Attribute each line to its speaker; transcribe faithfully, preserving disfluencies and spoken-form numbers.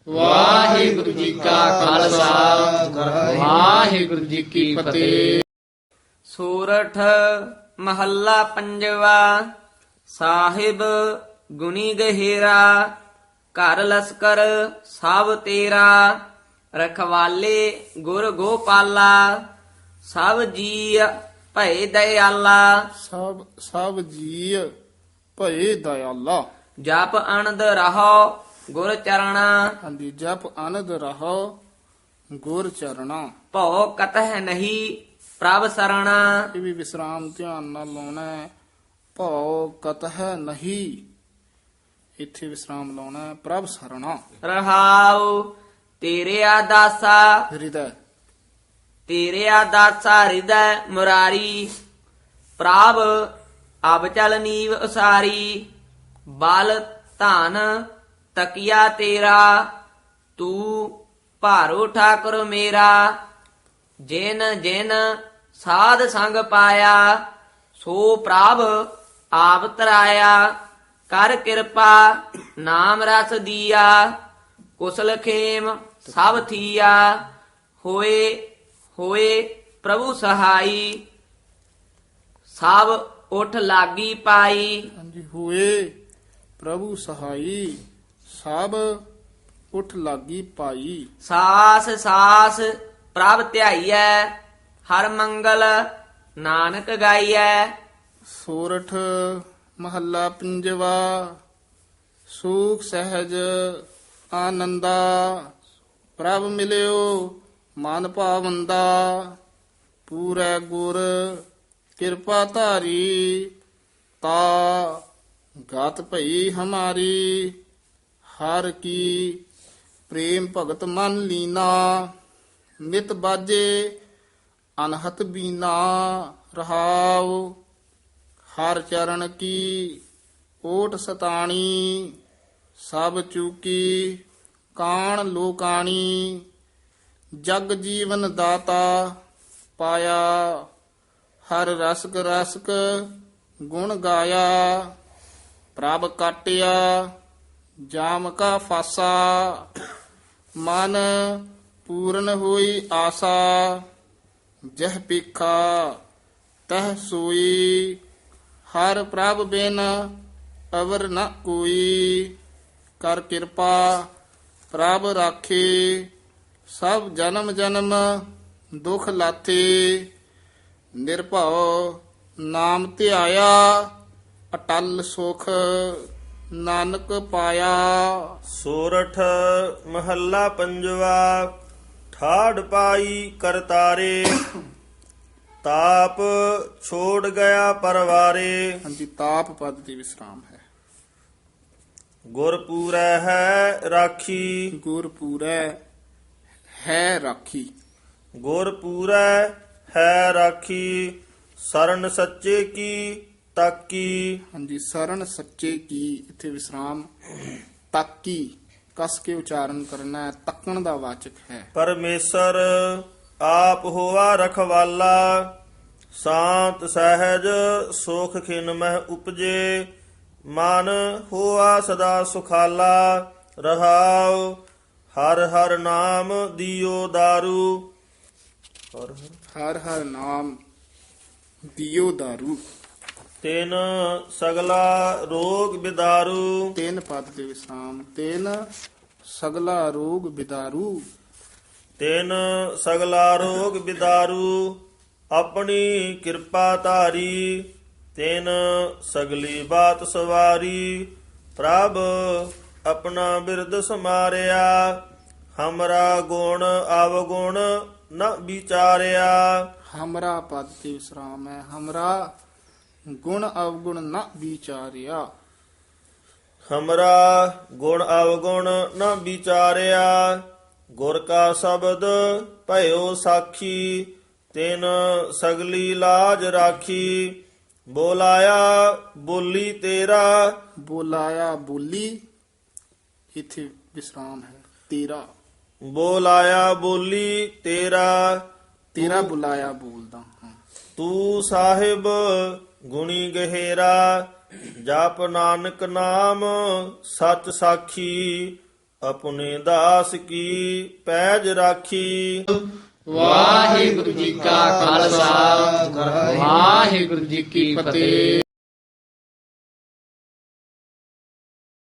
Speaker 1: ਵਾਹਿਗੁਰੂ ਜੀ ਕਾ ਖਾਲਸਾ ਵਾਹਿਗੁਰੂ ਜੀ ਕੀ ਫਤਿਹ।
Speaker 2: ਸੂਰਠ ਮਹੱਲਾ ਪੰਜਵਾ। ਸਾਹਿਬ ਗੁਣੀ ਗਹਿਰਾ, ਘਰ ਲਸਕਰ ਸਭ ਤੇਰਾ। ਰਖਵਾਲੇ ਗੁਰ ਗੋਪਾਲਾ, ਸਭ ਜੀ ਭਏ ਦਇਆਲਾ।
Speaker 3: ਸਭ ਸਭ ਜੀ ਭਏ ਦਇਆਲਾ।
Speaker 2: ਜਪ ਅਨੰਦ ਰਹੋ ਗੁਰ ਚਰਣਾ।
Speaker 3: ਹਾਂਜੀ, ਜਪ ਆਨੰਦ ਰਹੋ ਗੁਰ ਚਰਣਾ।
Speaker 2: ਭਉ ਕਤਹਿ ਨਹੀਂ ਪ੍ਰਭ ਸਰਣਾ।
Speaker 3: ਇਹ ਵੀ ਵਿਸਰਾਮ ਧਿਆਨ ਨਾਲ ਲਾਉਣਾ ਹੈ। ਭਉ ਕਤਹਿ ਨਹੀਂ, ਇੱਥੇ ਵਿਸਰਾਮ ਲਾਉਣਾ ਹੈ। ਪ੍ਰਭ ਸਰਣਾ।
Speaker 2: ਰਹਾਉ ਤੇਰੇ ਆਦਾਸਾ,
Speaker 3: ਹਿਰਦੈ
Speaker 2: ਤੇਰੇ ਆਦਾਸਾ ਹਿਰਦੈ ਮੁਰਾਰੀ। ਪ੍ਰਭ ਅਬ ਚਲ ਨੀਵ ਉਸਾਰੀ। ਬਲ ਧਨ ਤਕੀਆ ਤੇਰਾ, ਤੂੰ ਭਾਰੋ ਠਾਕੁਰ ਮੇਰਾ। ਜਿਨ ਜਿਨ ਸਾਧ ਸੰਗ ਪਾਇਆ, ਸੋ ਪ੍ਰਭ ਆਪ ਤਰਾਇਆ। ਕਰ ਕਿਰਪਾ ਨਾਮ ਰਸ ਦੀਆ, ਕੁਸਲ ਖੇਮ ਸਭ ਥੀਆ। ਹੋਏ ਹੋਏ ਪ੍ਰਭੂ ਸਹਾਈ, ਸਭ ਉਠ ਲਾਗੀ ਪਾਈ।
Speaker 3: ਹਾਂਜੀ, ਹੋਏ ਪ੍ਰਭੂ ਸਹਾਈ, ਸਭ ਉਠ ਲਾਗੀ ਪਾਈ।
Speaker 2: ਸਾਸ ਸਾਸ ਪ੍ਰਭ ਧਿਆਈਐ, ਹਰ ਮੰਗਲ ਨਾਨਕ ਗਾਈਐ।
Speaker 3: ਸੋਰਠ ਮਹੱਲਾ ਪੰਜਵਾ। ਸੂਖ ਸਹਿਜ ਆਨੰਦਾ, ਪ੍ਰਭ ਮਿਲਿਓ ਮਨ ਭਾਵੰਦਾ। ਪੂਰੈ ਗੁਰ ਕਿਰਪਾ ਧਾਰੀ, ਤਾ ਗਤ ਭਈ ਹਮਾਰੀ। ਹਰ ਕੀ ਪ੍ਰੇਮ ਭਗਤ ਮਨ ਲੀਨਾ, ਨਿਤ ਬਾਜੇ ਅਨਹਤ ਬੀਨਾ। ਰਹਾਉ ਹਰ ਚਰਨ ਕੀ ਓਟ ਸਤਾਣੀ, ਸਭ ਚੂਕੀ ਕਾਣ ਲੋਕਾਣੀ। ਜਗ ਜੀਵਨ ਦਾਤਾ ਪਾਇਆ, ਹਰ ਰਸਕ ਰਸਕ ਗੁਣ ਗਾਇਆ। ਪ੍ਰਭ ਕਾਟਿਆ ਜਾਮ ਕਾ ਫਾਸਾ, ਮਨ ਪੂਰਨ ਹੋਈ ਆਸਾ। ਜਹ ਪੀਖਾ ਤਹ ਸੋਈ, ਹਰ ਪ੍ਰਭ ਬਿਨ ਅਵਰ ਨ ਕੋਈ। ਕਰ ਕਿਰਪਾ ਪ੍ਰਭ ਰਾਖੇ, ਸਭ ਜਨਮ ਜਨਮ ਦੁਖ ਲਾਥੇ। ਨਿਰਭਉ ਨਾਮ ਧਿਆਇਆ, ਅਟਲ ਸੁਖ ਨਾਨਕ ਪਾਇਆ।
Speaker 4: ਸੋਰਠ ਮਹੱਲਾ ਪੰਜਵਾ। ਠਾੜ ਪਾਈ ਕਰਤਾਰੇ, ਤਾਪ ਛੋੜ ਗਿਆ ਪਰਵਾਰੇ।
Speaker 3: ਹਾਂਜੀ, ਤਾਪ ਪਦ ਦੀ ਵਿਸਰਾਮ ਹੈ।
Speaker 4: ਗੁਰ ਪੂਰੈ ਹੈ ਰਾਖੀ,
Speaker 3: ਗੁਰ ਪੂਰੈ ਹੈ ਰਾਖੀ।
Speaker 4: ਗੁਰ ਪੂਰੈ ਹੈ ਰਾਖੀ। ਸਰਨ ਸੱਚੇ ਕੀ ਤਾਕੀ।
Speaker 3: ਹਾਂਜੀ, ਸਰਨ ਸੱਚੇ ਕੀ, ਇੱਥੇ ਵਿਸਰਾਮ। ਤਾਕੀ ਕਸ ਕੇ ਉਚਾਰਨ ਕਰਨਾ ਹੈ, ਤੱਕਣ ਦਾ ਵਾਚਕ ਹੈ।
Speaker 4: ਪਰਮੇਸ਼ਰ ਆਪ ਹੋਆ ਰਖਵਾਲਾ, ਸ਼ਾਂਤ ਸਹਿਜ ਸੁਖ ਖਿਨ ਮਹਿ ਉਪਜੇ। ਮਨ ਹੋਆ ਸਦਾ ਸੁਖਾਲਾ, ਰਹਾਉ ਹਰ ਹਰ ਨਾਮ ਦਿਓ ਦਾਰੂ। ਹਰ ਹਰ
Speaker 3: ਹਰ ਹਰ ਨਾਮ ਦਿਓ ਦਾਰੂ।
Speaker 4: ਤਿਨ ਸਗਲਾ ਰੋਗ ਬਿਦਾਰੂ।
Speaker 3: ਤਿੰਨ ਪਦ ਦੇ ਵਿਸਰਾਮ। ਤਿੰਨ ਸਗਲਾ ਰੋਗ ਬਿਦਾਰੂ।
Speaker 4: ਤਿਨ ਸਗਲਾ ਰੋਗ ਬਿਦਾਰੂ, ਆਪਣੀ ਕਿਰਪਾ ਧਾਰੀ। ਤਿਨ ਸਗਲੀ ਬਾਤ ਸਵਾਰੀ, ਪ੍ਰਭ ਆਪਣਾ ਬਿਰਦ ਸਮਾਰਿਆ। ਹਮਰਾ ਗੁਣ ਅਵਗੁਣ ਨ ਵਿਚਾਰਿਆ।
Speaker 3: ਹਮਰਾ ਪਦ ਤੇ ਵਿਸਰਾਮ ਹੈ। ਹਮਰਾ ਗੁਣ ਅਵਗੁਣ ਨ ਵਿਚਾਰਿਆ।
Speaker 4: ਹਮਰਾ ਗੁਣ ਅਵਗੁਣ ਨ ਵਿਚਾਰਿਆ। ਗੁਰ ਕਾ ਸ਼ਬਦ ਭਇਓ ਸਾਖੀ, ਤਿਨ ਸਗਲੀ ਲਾਜ ਰਾਖੀ। ਬੋਲਾਇਆ ਬੋਲੀ ਤੇਰਾ,
Speaker 3: ਬੋਲਾਇਆ ਬੋਲੀ, ਇੱਥੇ ਵਿਸਰਾਮ ਹੈ। ਤੇਰਾ
Speaker 4: ਬੋਲਾਇਆ ਬੋਲੀ ਤੇਰਾ।
Speaker 3: ਤੇਰਾ ਬੁਲਾਇਆ ਬੋਲਦਾ ਹਾਂ।
Speaker 4: ਤੂੰ ਸਾਹਿਬ ਗੁਣੀ ਗਹਿਰਾ, ਜਪ ਨਾਨਕ ਨਾਮ ਸਚ ਸਾਖੀ। ਆਪਣੇ ਦਾਸ ਕੀ ਪੈਜ ਰਾਖੀ।
Speaker 1: ਵਾਹਿਗੁਰੂ ਜੀ ਕਾ ਖਾਲਸਾ ਵਾਹਿਗੁਰੂ ਜੀ ਕੀ ਫਤਿਹ।